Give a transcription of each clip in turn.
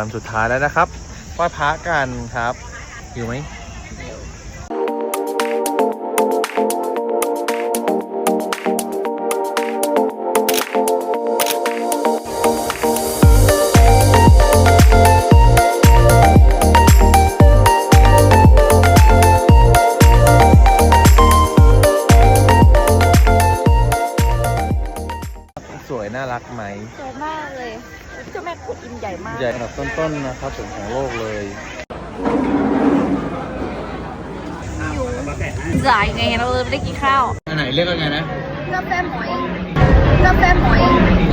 วันสุดท้ายแล้วนะครับไหว้พระกันครับอยู่ไหมสวยน่ารักไหมสวยมากเลยเจ้าแม่กุดอิมใหญ่มากใหญ่อันดับต้นๆนะครับผมของโลกเลยจ่ายไงเราเลยไม่ได้กินข้าวอันไหนเรียกว่าไงนะกาแฟหมอยกาแฟหมอย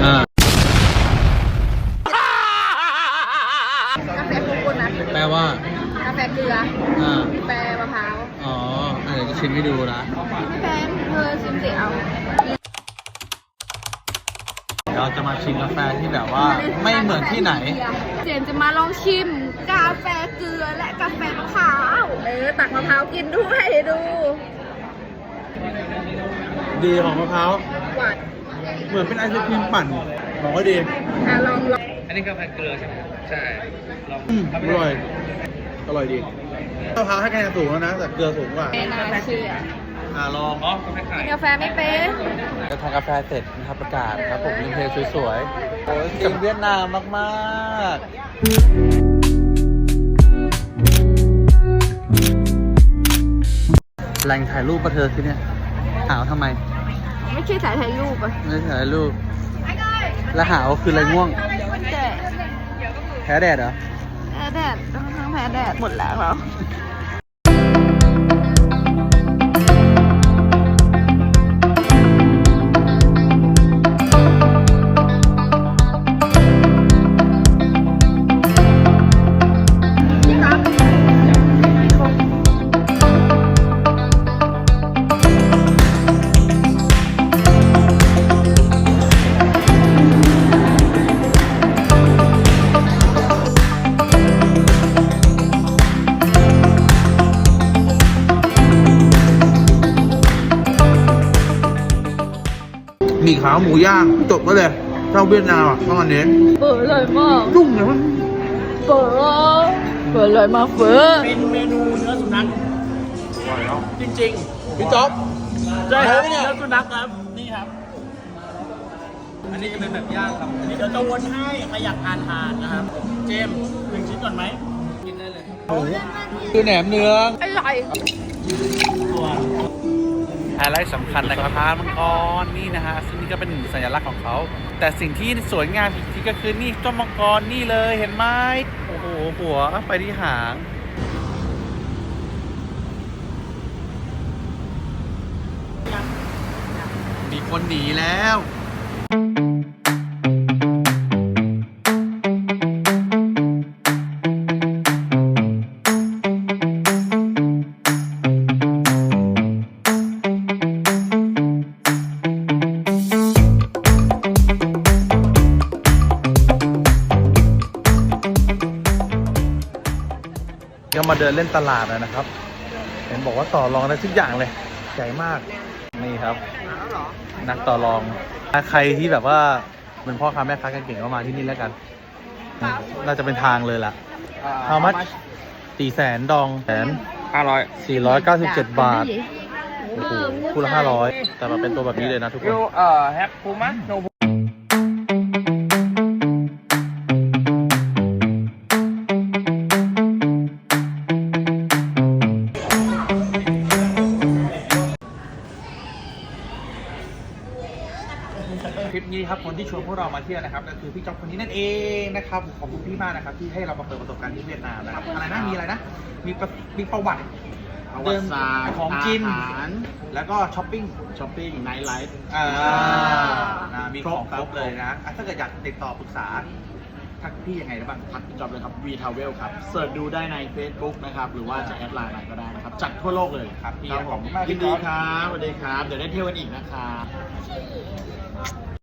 กาแฟโกโก้นัทแปลว่ากาแฟเกลือแปลมะพร้าวอ๋อเดี๋ยวจะชิมให้ดูนะไม่แพงเธอชิมสิเอาเราจะมาชิมกาแฟที่แบบว่าไม่เหมือนที่ไหนเจนจะมาลองชิมกาแฟเกลือและกาแฟมะพร้าวตักมะพร้าวกินด้วยดูดีของมะพร้าวหวานเหมือนเป็นไอศครีมปั่นบอกว่าดีลองอันนี้กาแฟเกลือใช่ไหมใช่ลองอร่อยอร่อยดีมะพร้าวให้คะแนนสูงแล้วนะแต่เกลือสูงกว่าไม่น่าเชื่อลองกาแฟไข่กาแฟไม่เป็นจะทานกาแฟเสร็จนะครับประกาศครับผมมีเพลงสวยๆโอ้ยจากเวียดนามมากๆแหล่งถ่ายรูปประเธอที่เนี่ยหาวทำไมไม่ใช่ถ่ายรูปอะไม่ถ่ายรูปแล้วหาวคืออะไรง่วงแพ้แดดเหรอแพ้แดดทั้งแพ้แดดหมดแล้วมีขาวหมูย่างจบก็เลยเจ้าเวียดนามต้องอันนี้เปิดเลยมากยุ่งเลยมันเปิดเลยมากเปิดเป็นเมนูเนื้อสุนัขจริงๆพี่จ๊อบใช่ครับเนื้อสุนัขครับนี่ครับอันนี้จะเป็นแบบย่างครับอันนี้เดี๋ยวจะวนให้ใครอยากทานนะครับเจม1 ชิ้นก่อนไหมกินได้เลยคือแหนมเนื้ออร่อยไฮไลท์สำคัญนะครับพานมังกรนี่นะฮะซึ่งนี่ก็เป็นสัญลักษณ์ของเขาแต่สิ่งที่สวยงามอีกทีก็คือนี่เจ้ามังกรนี่เลยเห็นไหมโอ้โหหัวไปที่หางมีคนหนีแล้วก็มาเดินเล่นตลาดนะครับเห็นบอกว่าต่อรองได้ทุกอย่างเลยใหญ่มากนี่ครับนักต่อรองใครที่แบบว่าเป็นพ่อค้าแม่ค้าเก่งๆก็มาที่นี่แล้วกันน่าจะเป็นทางเลยล่ะ How much 400,000 ดอง497 บาทโอ้โหคู่ละ500แต่มาเป็นตัวแบบนี้เลยนะทุกคนแฮปปูมะโนคลิปนี้ครับคนที่ชวนพวกเรามาเที่ยวนะครับก็คือพี่จ๊อบคนนี้นั่นเองนะครับขอบคุณพี่มากนะครับที่ให้เรามาเปิดประสบการณ์ที่เวียดนามนะครับอะไรนะมีอะไรนะมีประวัติเดินของกินแล้วก็ช้อปปิ้งไนท์ไลฟ์มีของครบเลยนะถ้าเกิดอยากติดต่อปรึกษาทักพี่ยังไงได้บ้างทักพี่จ๊อบเลยครับ V Travel ครับเสิร์ชดูได้ใน Facebook นะครับหรือว่าจะแอดไลน์มาก็ได้นะครับจัดทั่วโลกเลยครับพี่ขอบคุณมากยินดีครับสวัสดีครับเดี๋ยวได้เที่ยวกันอีกนะครับ